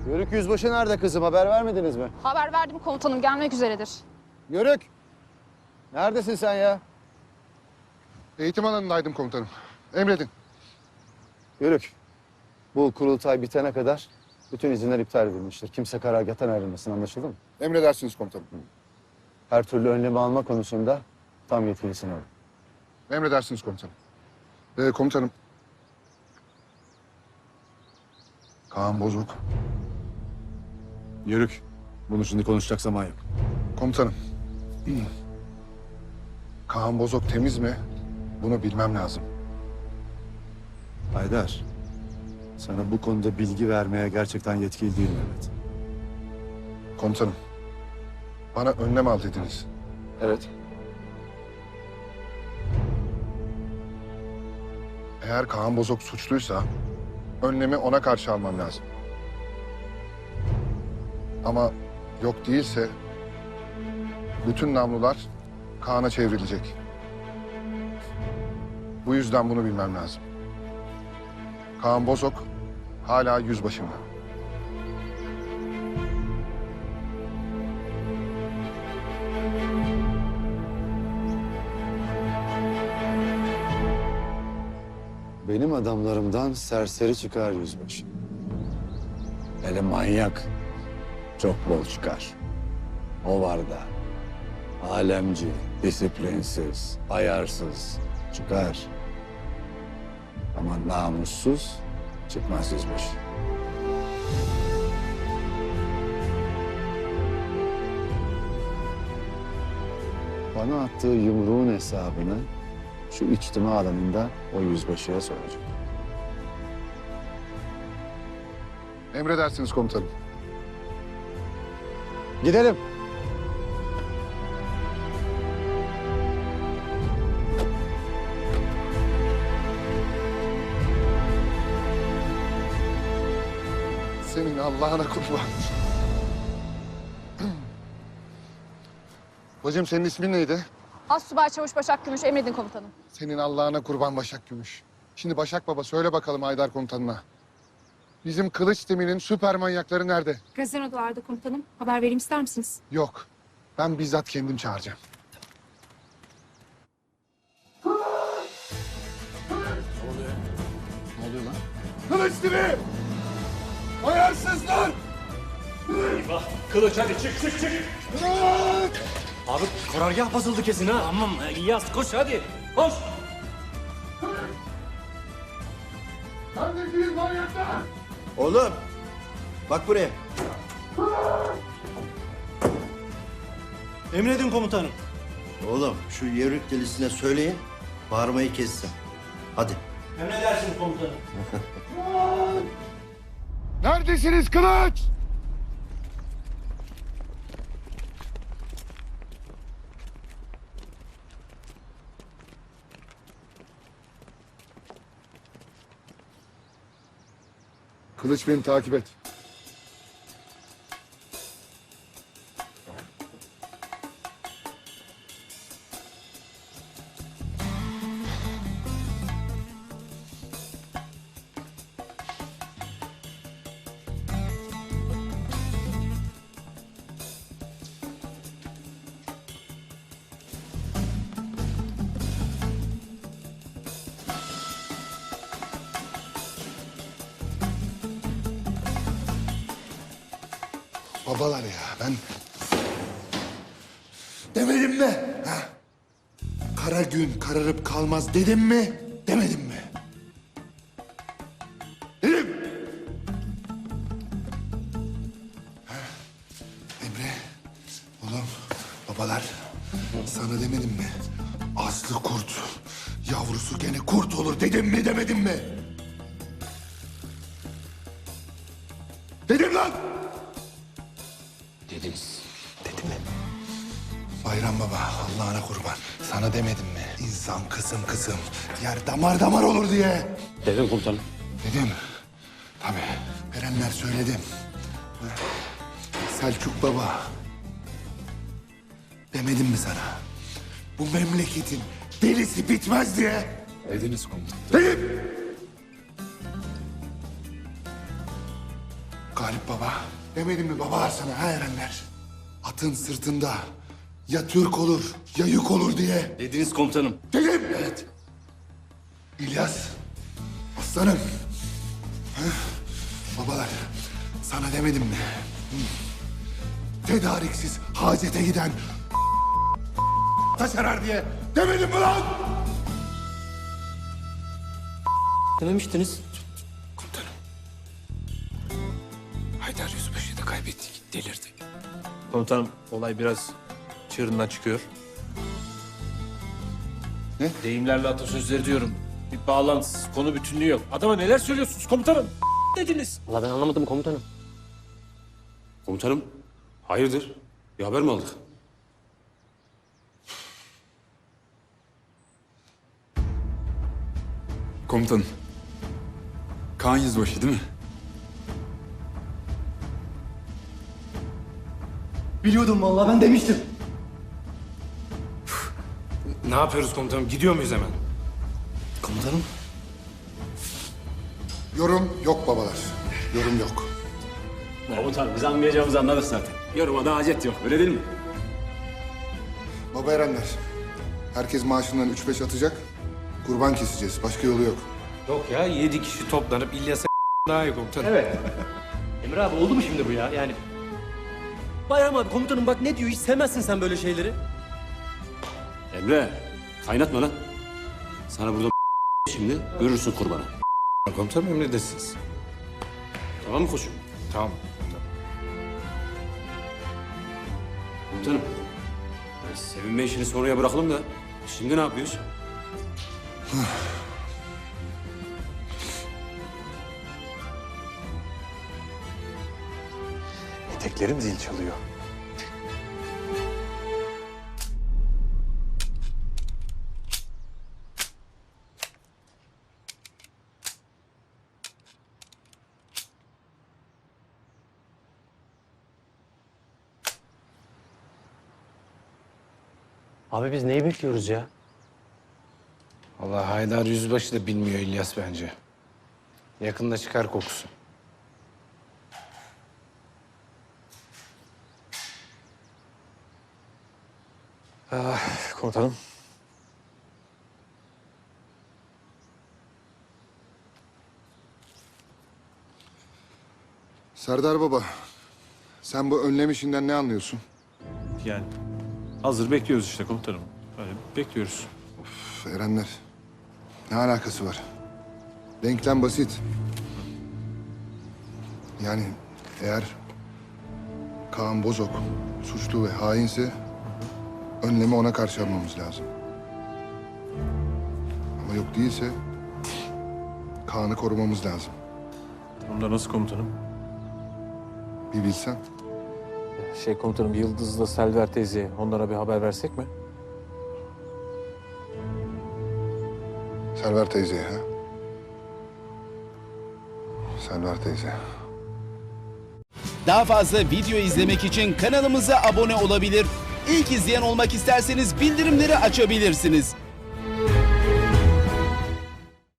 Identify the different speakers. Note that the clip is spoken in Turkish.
Speaker 1: Yörük yüzbaşı nerede kızım? Haber vermediniz mi?
Speaker 2: Haber verdim komutanım, gelmek üzeredir.
Speaker 1: Yörük! Neredesin sen ya?
Speaker 3: Eğitim alanındaydım komutanım. Emredin.
Speaker 1: Yörük. Bu kurultay bitene kadar bütün izinler iptal edilmiştir. Kimse karargâhtan ayrılmasın, anlaşıldı mı?
Speaker 3: Emredersiniz komutanım.
Speaker 1: Her türlü önlemi alma konusunda tam yetkilisin oğlum.
Speaker 3: Emredersiniz komutanım. Komutanım. Kaan Bozok.
Speaker 1: Yörük. Bunu şimdi konuşacak zaman yok.
Speaker 3: Komutanım. Kaan Bozok temiz mi? Bunu bilmem lazım.
Speaker 1: Haydar. Sana bu konuda bilgi vermeye gerçekten yetkili değilim Mehmet.
Speaker 3: Komutanım. Bana önlem al dediniz.
Speaker 1: Evet.
Speaker 3: Eğer Kaan Bozok suçluysa önlemi ona karşı almam lazım. Ama yok değilse bütün namlular Kaan'a çevrilecek. Bu yüzden bunu bilmem lazım. Kaan Bozok hala yüzbaşımda.
Speaker 1: Benim adamlarımdan serseri çıkar yüzbaşı. Hele manyak çok bol çıkar. O var da alemci, disiplinsiz, ayarsız çıkar. Ama namussuz çıkmaz yüzbaşı. Bana attığı yumruğun hesabını şu içtima alanında o yüzbaşıya soracağım.
Speaker 3: Emredersiniz komutanım.
Speaker 1: Gidelim.
Speaker 3: Senin Allah'ına kurban. Bacım senin ismin neydi?
Speaker 2: Astsubay Çavuş Başak Gümüş, emredin komutanım.
Speaker 3: Senin Allah'ına kurban Başak Gümüş. Şimdi Başak Baba söyle bakalım Haydar komutanına. Bizim kılıç timinin süper manyakları nerede?
Speaker 4: Gazino'da komutanım. Haber vereyim ister misiniz?
Speaker 3: Yok. Ben bizzat kendim çağıracağım.
Speaker 1: Ne oluyor lan?
Speaker 3: Kılıç timi! Ayarsızlar!
Speaker 5: Eyvah! Kılıç hadi çık çık çık! Abi karargah basıldı kesin ha. Tamam İlyas koş hadi. Koş!
Speaker 3: Neredesiniz manyaklar?
Speaker 6: Oğlum, bak buraya.
Speaker 5: Emredin komutanım.
Speaker 6: Oğlum, şu yörük delisine söyleyin, bağırmayı kessin. Hadi.
Speaker 5: Emredersiniz komutanım.
Speaker 3: Neredesiniz Kılıç? Kılıç beni takip et. Babalar ya ben demedim mi? Ha? Kara gün kararıp kalmaz dedim mi? Demedim mi? Dedim. Ha? Emre, oğlum, babalar sana demedim mi? Aslı kurt, yavrusu gene kurt olur dedim mi demedim mi? Dedim lan!
Speaker 6: Dediniz. Dedim mi?
Speaker 3: Bayram Baba, Allah'ına kurban. Sana demedim mi? İnsan kızım yer damar damar olur diye.
Speaker 5: Dedim komutanım.
Speaker 3: Dedim. Tabii. Erenler söyledim. Selçuk Baba. Demedim mi sana? Bu memleketin delisi bitmez diye.
Speaker 1: Dediniz komutanım.
Speaker 3: Dedim. Galip Baba. Demedim mi babalar sana ha Erenler? Atın sırtında ya Türk olur ya yük olur diye.
Speaker 5: Dediniz komutanım.
Speaker 3: Dedim. Evet. İlyas, aslanım. Ha? Babalar, sana demedim mi? Tedariksiz hacete giden taşerer diye demedim mi lan?
Speaker 5: Dememiştiniz.
Speaker 7: Komutanım. Haydar Yüzbaşı'yı da kaybettik. Delirdi. Komutanım olay biraz çığırından çıkıyor.
Speaker 3: Ne?
Speaker 7: Deyimlerle atasözleri diyorum. Bir bağlantısız, konu bütünlüğü yok. Adama neler söylüyorsunuz komutanım? Dediniz.
Speaker 5: Valla ben anlamadım komutanım.
Speaker 8: Komutanım, hayırdır? Bir haber mi aldık?
Speaker 9: Komutanım. Kaan Yüzbaşı değil mi?
Speaker 5: Biliyordum vallahi ben demiştim.
Speaker 7: Ne yapıyoruz komutanım? Gidiyor muyuz hemen?
Speaker 5: Komutanım.
Speaker 3: Yorum yok babalar. Yorum yok.
Speaker 8: Komutanım, biz anlayacağımızı anladık zaten. Yoruma da hacet yok, öyle değil mi?
Speaker 3: Baba Erenler, herkes maaşından 3-5 atacak. Kurban keseceğiz. Başka yolu yok.
Speaker 7: Yok ya 7 kişi toplanıp İlyas'a daha iyi komutanım.
Speaker 5: Evet. Emre abi oldu mu şimdi bu ya? Yani... Bayram abi komutanım bak ne diyor? Hiç sevmezsin sen böyle şeyleri.
Speaker 8: Emre, kaynatma lan. Sana burada şimdi görürsün kurbanı.
Speaker 7: Komutanım emredersiniz.
Speaker 8: Tamam mı koçum?
Speaker 7: Tamam.
Speaker 8: Komutanım, sevinme işini sonraya bırakalım da şimdi ne yapıyoruz?
Speaker 7: Eteklerim zil çalıyor.
Speaker 5: Abi biz neyi bekliyoruz ya?
Speaker 7: Allah Haydar Yüzbaşı da bilmiyor İlyas bence. Yakında çıkar kokusu. Komutanım.
Speaker 3: Serdar Baba, sen bu önlem işinden ne anlıyorsun?
Speaker 10: Yani hazır bekliyoruz işte komutanım. Öyle bekliyoruz.
Speaker 3: Üf, Erenler, ne alakası var? Denklem basit. Yani eğer Kaan Bozok suçlu ve hainse önlemi ona karşı almamız lazım. Ama yok değilse Kaan'ı korumamız lazım.
Speaker 10: Onda nasıl komutanım?
Speaker 3: Bir bilsen.
Speaker 10: Komutanım Yıldız'la Selver teyze onlara bir haber versek mi?
Speaker 3: Selver teyzeye ha? Selver teyze.
Speaker 11: Daha fazla video izlemek için kanalımıza abone olabilir. İlk izleyen olmak isterseniz bildirimleri açabilirsiniz.